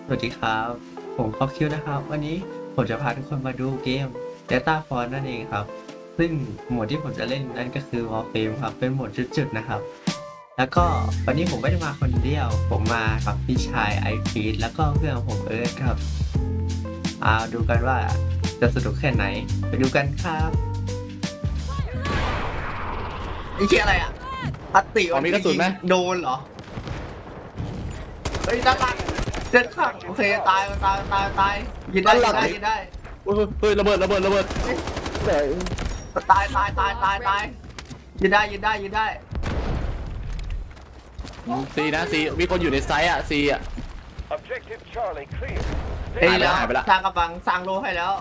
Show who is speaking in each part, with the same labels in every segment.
Speaker 1: สวัสดีครับผมคอปคิวนะครับวันนี้ผมจะพาทุกคนมาดูเกม Data Force นั่นเองครับซึ่งโหมดที่ผมจะเล่นนั่นก็คือ Warframe ครับเป็นโหมดจุดๆนะครับแล้วก็วันนี้ผมไม่ได้มาคนเดียวผมมากับพี่ชายไอพีทแล้วก็เพื่อนของผมเอิร์ธครับดูกันว่าจะสนุกแค่ไหนไปดูกันครับนี่ชื่ออะไรอ่ะอัตติ
Speaker 2: มีกระสุนไหม
Speaker 1: โดนเหรอเฮ้ยด้านหลังเดินข้างโอเคตายยิงได้ยิงได้
Speaker 2: เฮ้ยระเบิดไหน
Speaker 1: ตายยิงได้
Speaker 2: ซีนะซีมีคนอยู่ในไซต์อ่ะซีอ่ะ
Speaker 3: Objective Charlie clear.
Speaker 1: เอ้ยแล้ว
Speaker 2: หายไปละ
Speaker 1: สร้างกำบังสร้างโลให้แล้ว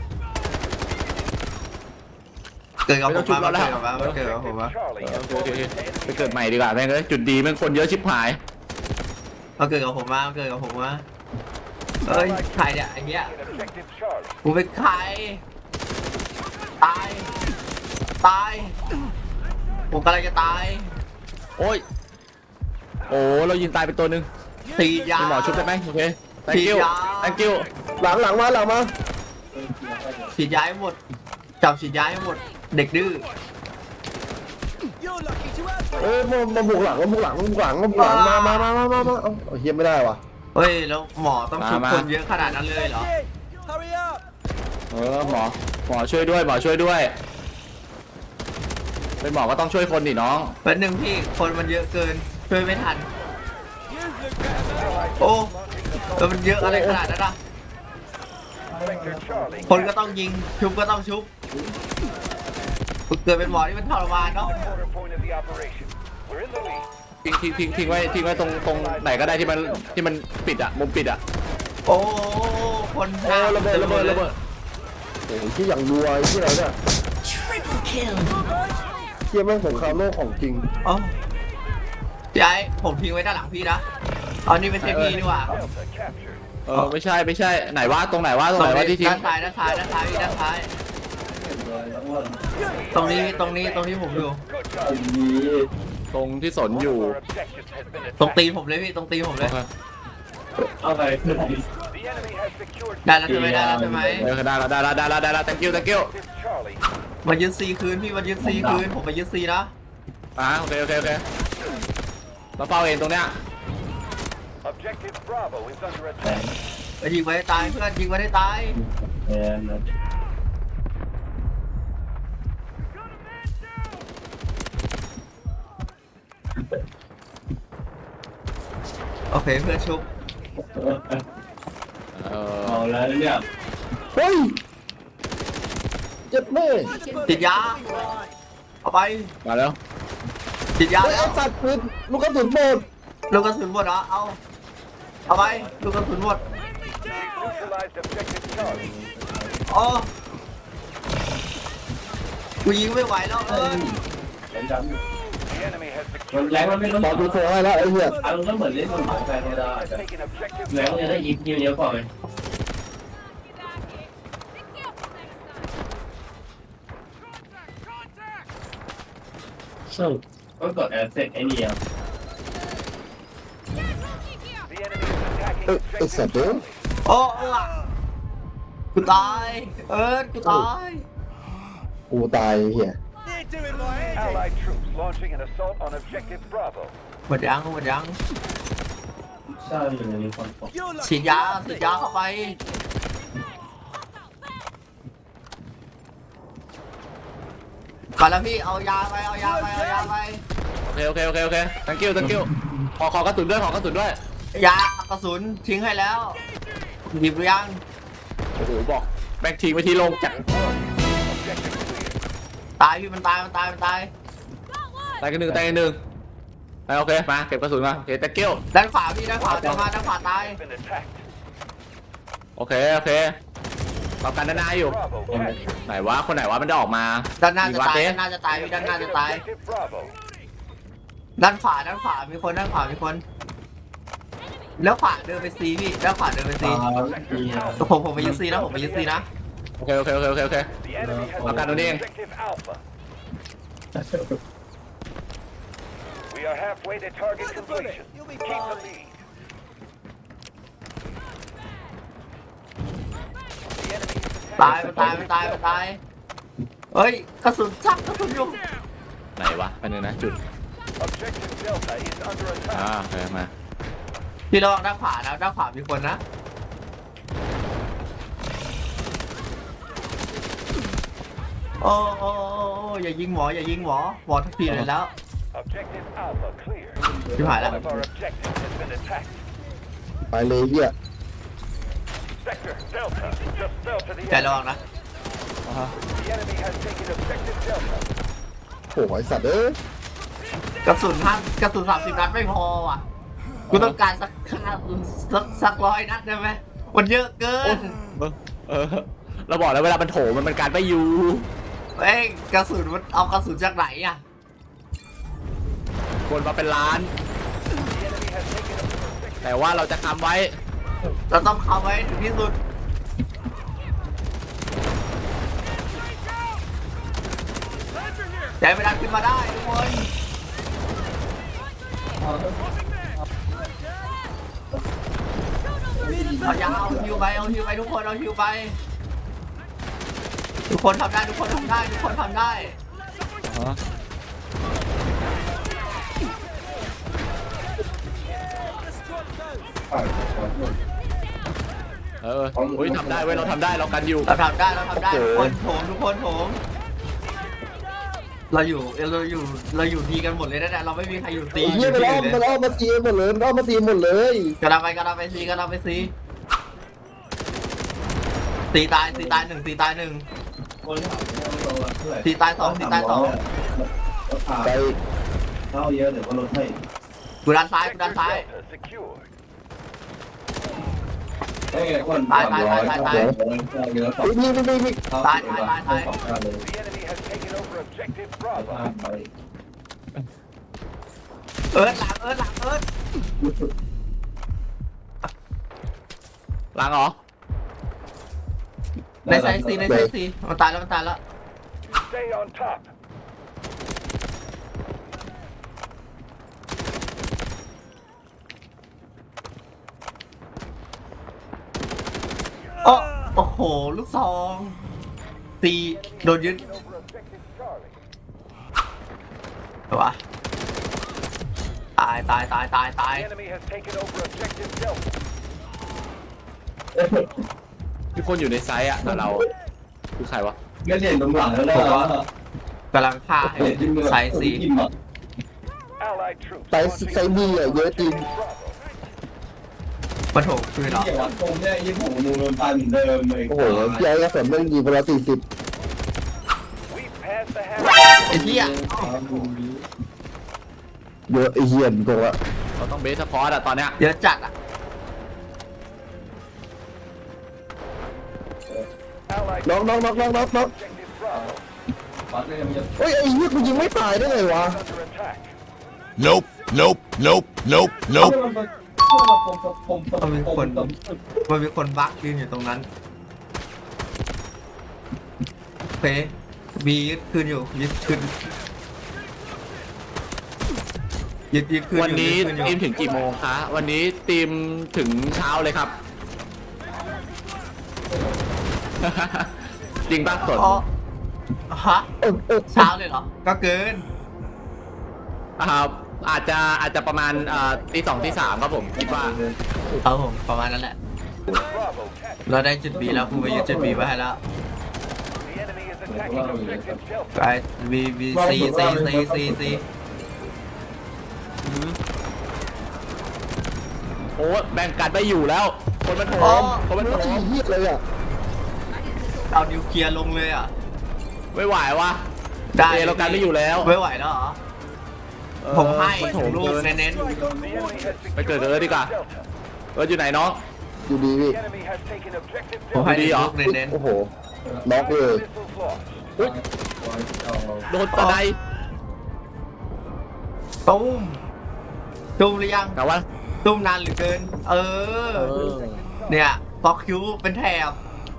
Speaker 1: เกิดกับผมมาเกิดกับผมมา
Speaker 3: Charlie
Speaker 2: โอเคไปเกิดใหม่ดีกว่าแม่งเลยจุดดีแม่งคนเยอะชิบหาย
Speaker 1: เกิดกับผมมาเอ้ยใครเนี่ยไอ้เนี้ย
Speaker 3: in Objective Charlie.
Speaker 1: กูเป็นใครตายผมกำลังจะตาย
Speaker 2: โอ้ยโอ้เรายิงตายไปตัวหนึ่ง
Speaker 1: ตียา
Speaker 2: มีหมอชุบได้ไหมโอเค thank
Speaker 1: ฉี
Speaker 2: you
Speaker 1: ดยา
Speaker 2: thank you
Speaker 4: หลังมา
Speaker 1: ฉีดยาให้หมดจับฉีดยาให้หมดเด็กดื้อ
Speaker 4: มาบุกหลังมาเอาเฮียไม่ได้วะ
Speaker 1: เฮ้ยแล้วหมอต้องชุบคนเยอะขนาดนั้นเลยเหรอ
Speaker 2: หมอช่วยด้วยเป็นหมอก็ต้องช่วยคนดิน้อง
Speaker 1: เป็นหนึ่งพี่คนมันเยอะเกินช่วยไม่ทันโอ้แล้วมันเยอะอะไรขนาดนั้นอ่ะ
Speaker 3: Sector Charlie.
Speaker 1: คนก็ต้องยิงชุบก็ต้องชุบเกิดเป็นหมอที่มันทรมานเนาะ
Speaker 3: Quarter point of the operation. We're in the lead.
Speaker 2: ทิ้งไว้ตรงไหนก็ได้ที่มันปิดอ่ะมุมปิดอ่ะ
Speaker 1: โอ้คน
Speaker 2: โอ้ระเบิด
Speaker 4: โอ้ยที่อย่างรัวไอ้ที่ไหนเนี่ย
Speaker 5: Triple kill.
Speaker 4: เฮียแม่งสงครามโลกของจริง
Speaker 1: โอ้พี่ไอ้ผมทิ้งไว้ด้านหลังพี่นะเอานี่ไม่ใช่พี่นี่หว่า
Speaker 3: Delta captured.
Speaker 2: ไม่ใช่ไหนวะตรงไหนวะที่ทิ้ง
Speaker 1: ด้านซ้ายพี่ด้านซ้ายตรงนี้ผมอยู่
Speaker 3: Good job.
Speaker 2: ตรงที่สนอยู่
Speaker 3: Our objectives has been
Speaker 1: ตรงตีน
Speaker 3: attacked.
Speaker 1: ผมเลยพี่ตรงตีนผมเลย
Speaker 3: The enemy has secured
Speaker 1: ได้แล้วใช่ไหม
Speaker 2: ได้แล้ว thank you
Speaker 3: Objective Charlie.
Speaker 1: มายึดซีคืนพี่มายึดซีคืนผมมายึดซีนะ
Speaker 2: โอเคเราเฝ้าเองตรงเนี้ย
Speaker 3: Objective Bravo is under attack.
Speaker 1: ไปยิงไว้ให้ตายเพื่อนยิงไว้ให้ตายโอเคเพื่อนชุบ
Speaker 4: เฮ้ยเจ็บแม่
Speaker 1: ติดยาเอาไป
Speaker 2: มาแล้ว
Speaker 1: ติดยา
Speaker 4: เฮ้ย
Speaker 1: แล้
Speaker 4: ไอ้
Speaker 1: ว
Speaker 4: สัตว์ปืนลูกกระสุนหมด
Speaker 1: ลูกกระสุนหมดเหรอเอาไปลูกกระสุนหมด
Speaker 3: Neutralized Objective Charlie.
Speaker 1: อ๋อกูยิงไม่ไหวแล้ว
Speaker 3: The enemy has secured
Speaker 4: ตอนดูโฟให้แล้วไอ้เหี้ย
Speaker 6: อารมณ์ก็เหมือนเล่นบนหมาแฟนธรรมดา
Speaker 3: taken Objective
Speaker 6: แล้วจะได้ยิบเยอะๆกว่าไหมก็กดแอดเสร็จไอ้นี่อ่ะ
Speaker 3: The enemy is attacking
Speaker 4: ไอ้สัตว์
Speaker 3: Objective
Speaker 4: เด้อ
Speaker 1: โอ้กูตายกูตาย
Speaker 4: กูตายไอ้เหี้ย
Speaker 3: Allied troops launching an assault on Objective Bravo.
Speaker 1: หมดยัง
Speaker 6: ใช่อยู่ในนี้คนตก
Speaker 1: ฉีดยาเข้าไปก่อนแล้วพี่เอายาไป
Speaker 2: โอเค thank you ขอกระสุนด้วย
Speaker 1: ยากระสุนทิ้งให้แล้วหยิบหรือยัง
Speaker 2: โอ้โหบอกแบกทิ้งไว้ที่โรงจักร
Speaker 3: Objective clear.
Speaker 1: ตายพี่มันตาย
Speaker 2: ตายกันหนึ่งโอเคมาเก็บกระสุนมาโอเค thank you
Speaker 1: ด้านขวาพี่ด้านขวาจะมาด้านขวาตาย
Speaker 3: Been attacked.
Speaker 2: โอเคต่อกันด้านหน้าอยู่
Speaker 3: Bravo captured.
Speaker 2: ไหนวะคนไหนวะมันจะออกมา
Speaker 1: ด้านหน้าจะตาย
Speaker 2: ยิงวะ
Speaker 1: ด้านหน้าจะตายพี่ด้านหน้าจะตาย
Speaker 3: Objective Bravo.
Speaker 1: ด้านขวามีคนแล้วขวาเดินไปซีพี่ด้านขวาเดินไปซีผมไปยึดซีนะ
Speaker 2: โอเค
Speaker 3: The enemy has
Speaker 2: I'll got it in.
Speaker 3: Objective Alpha. We are halfway to target completion. Keep the lead.
Speaker 1: ตายมันตายมันตายมันตายเฮ้ยกระสุนชักกระสุนอยู่
Speaker 2: ไหนวะอันนึงนะจุด
Speaker 3: Objective Delta is under attack.
Speaker 2: โอเคมา
Speaker 1: พี่ระวังด้านขวานะด้านขวามีคนนะโอ้โอ้อย่ายิงหมออย่ายิงหมอทุกทีเลยแล้ว
Speaker 3: Objective Alpha clear.
Speaker 1: ชิบหายแล้ว
Speaker 3: One of our objectives has been attacked.
Speaker 4: ไปเลยเหี้ย
Speaker 3: Sector Delta just fell to the
Speaker 1: ใจระ
Speaker 3: enemy.
Speaker 1: วังนะ
Speaker 3: The enemy has taken objective Delta.
Speaker 4: โอ้ยสัตว์เอ้ย
Speaker 1: กระสุน30 นัดไม่พอว่ะกูต้องการสัก100 นัดได้ไหมมันเยอะเกิน
Speaker 2: เราบอกแล้วเวลามันโถมันการไปอยู่
Speaker 1: เอ้ยกระสุนมันเอากระสุนจากไหนอ่ะ
Speaker 2: คนมาเป็นล้าน
Speaker 3: The enemy has taken objective.
Speaker 2: แต่ว่าเราจะทำไว้
Speaker 1: เราต้องเข้าไว้ถึงที่สุดใจเวลาขึ้นมาได้ทุกคนเอายาวเอาฮิวไปทุกคนเอาฮิวไปทุกคนทำได้ทุกคนทำได้
Speaker 2: อุ้ยทำได้เว้ยเราทำได้เรากันอยู่
Speaker 1: เราทำได้ทุกคนโถมเราอยู่ดีกันหมดเลยนะเราไม่มีใครอยู่ตี
Speaker 4: ไอ้เหี้ยมันอ้อมมาซีหมดเลยมันอ้อมมาซีหมดเลย
Speaker 1: กระดาไปซีตีตายหนึ่ง
Speaker 6: คนถามว่าเท่าไหร่
Speaker 1: ตีตายสอง
Speaker 6: รถผ่าน
Speaker 4: ไป
Speaker 6: เข้าเยอะหรือว่ารถให้
Speaker 1: กูด้านซ้าย
Speaker 3: Sector Delta secured.
Speaker 6: ได้ไงคนเยอะต่อ
Speaker 4: มี
Speaker 3: The enemy has taken over objective Bravo.
Speaker 6: ไป
Speaker 1: หลัง
Speaker 2: ล้างเหรอ
Speaker 1: ในไซส์ซีมันตายแล้ว
Speaker 3: Stay on top.
Speaker 1: โอ้โหลูกซองตีโดนยึด
Speaker 3: Over objective Charlie.
Speaker 1: วะตาย
Speaker 3: The enemy has taken over objective Delta.
Speaker 2: มีคนอยู่ในไซส์อ่ะแต่เราคือใครวะ
Speaker 6: ไม่เด่นตรงหลังแล้วนะ
Speaker 1: กำลังฆ่าให้ไซส์ซี
Speaker 3: Allied troops
Speaker 4: ไซบีอ่ะเยอะจริง
Speaker 3: Bravo.
Speaker 1: มาโถมคืนเหรอ
Speaker 6: เกี่ยวกับตรงเนี่ยยี่ผมมูลนปันเดิมเลย
Speaker 4: โอ้โหพี่ไอ้กระสุนมันยิงคนละ40
Speaker 3: We passed the half.
Speaker 1: ไอ้เหี้ย
Speaker 4: เยอะไอ้เหี้ยโกงละ
Speaker 2: เราต้องเบสสปอร์ตอ่ะตอนเนี้ย
Speaker 1: เยอะจัดอ่ะ
Speaker 3: Allied
Speaker 4: น้อง
Speaker 3: objective Bravo
Speaker 6: ปัดเลยมันจะ
Speaker 4: เฮ้ยไอ้เหี้ยกูยิงไม่ตายได้ไงวะ
Speaker 3: under attack.
Speaker 5: Nope, nope, nope, nope, nope.
Speaker 1: มันมีคนบั๊กยืนอยู่ตรงนั้นเฟบียึดคืนอยู่ยึดคืนอยู่
Speaker 2: วันนี้
Speaker 1: ยึดคื
Speaker 2: ทีม
Speaker 1: อยู่
Speaker 2: ถึงกี่โมงคะวันนี้ทีมถึงเช้าเลยครับ จริงป่ะสด
Speaker 1: อ๋อฮะเช้าเลยเหรอก็เกิน
Speaker 2: ครับอาจจะประมาณตี 2 ตี 3ครับผมคิดว่า
Speaker 1: ครับผมประมาณนั้นแหละ
Speaker 3: Bravo captured.
Speaker 1: เราได้จุดบีแล้วคุณไปยึดจุดบีไว้ให้แล้ว
Speaker 3: The enemy is attacking objective Delta.
Speaker 1: ไปบีซี
Speaker 2: โอ้แบ่งกันไปอยู่แล้ว คนมันโถมคนมันโถ
Speaker 4: ไอ้
Speaker 2: ม
Speaker 4: เหี้ยเลยอ่ะ
Speaker 1: เอานิวเคลียร์ลงเลยอ่ะ
Speaker 2: ไม่ไหววะ
Speaker 1: ได้
Speaker 2: เรากันไม่อยู่แล้ว
Speaker 1: ไม่ไหวแล้วเหรอผมให้
Speaker 2: มันโถม
Speaker 1: ลูก
Speaker 2: เกิน
Speaker 1: เน้น
Speaker 3: The enemy has
Speaker 2: ไปเกิด
Speaker 3: secured
Speaker 2: กันเลยดีกว่า
Speaker 3: Delta.
Speaker 2: อยู่ไหนน้อง
Speaker 4: อยู่ดีพี่
Speaker 3: The enemy has taken objective
Speaker 1: ๆผมให้
Speaker 2: ดีเหรอ
Speaker 1: ลูกเน้น
Speaker 4: โอ้โหน็อกเลย
Speaker 3: Missiles launched.
Speaker 2: โดนตะได
Speaker 1: ๆตุ้มหรือยัง
Speaker 2: แต่ว่า
Speaker 1: ตุ้มนานเหรือเกิน เนี่ยฟอกคิวเป็นแถบ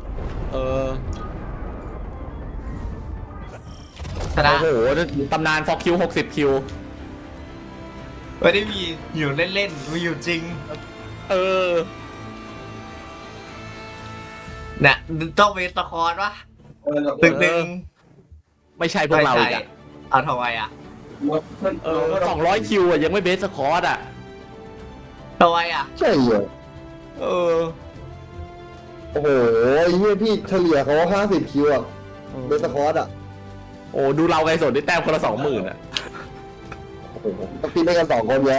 Speaker 1: ชนะ
Speaker 2: โอ้โหตำนานฟอกคิว60 คิว
Speaker 1: ไม่ได้มีอยู่เล่นๆมีอยู่จริง
Speaker 2: เออ
Speaker 1: เนี่ยต้องเป็นสคอร์วะตึกหนึ่ง
Speaker 2: ไม่ใช่พวกเราอีกอะ
Speaker 1: เอาทำไมอ่ะ
Speaker 2: 200 คิวอะยังไม่เบสสคอร์ดอะ
Speaker 1: ทำไมอ่ะ
Speaker 4: ใช่เหรอ
Speaker 1: เออ
Speaker 4: โอ้โหไอ้เหี้ยพี่เฉลี่ยเขา50 คิวอะเบสสคอร์ดอะ
Speaker 2: โอ้ดูเราไงสนได้แต้มคนละ 20,000อะ
Speaker 4: โอ้โหต้องพี่ได้กัน2 คนไง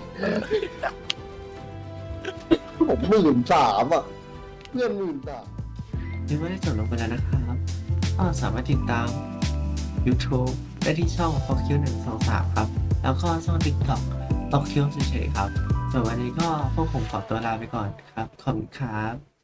Speaker 4: ผม13,000อะเพื่อน13,000
Speaker 1: ยังไม่ได้จบลงไปแล้วนะครับก็สามารถติดตาม YouTube ได้ที่ช่อง f o q 123 ครับ แล้วก็ช่อง TikTok f o q เฉยๆครับส่วนวันนี้ก็พวกผมขอตัวลาไปก่อนครับ ขอบคุณครับ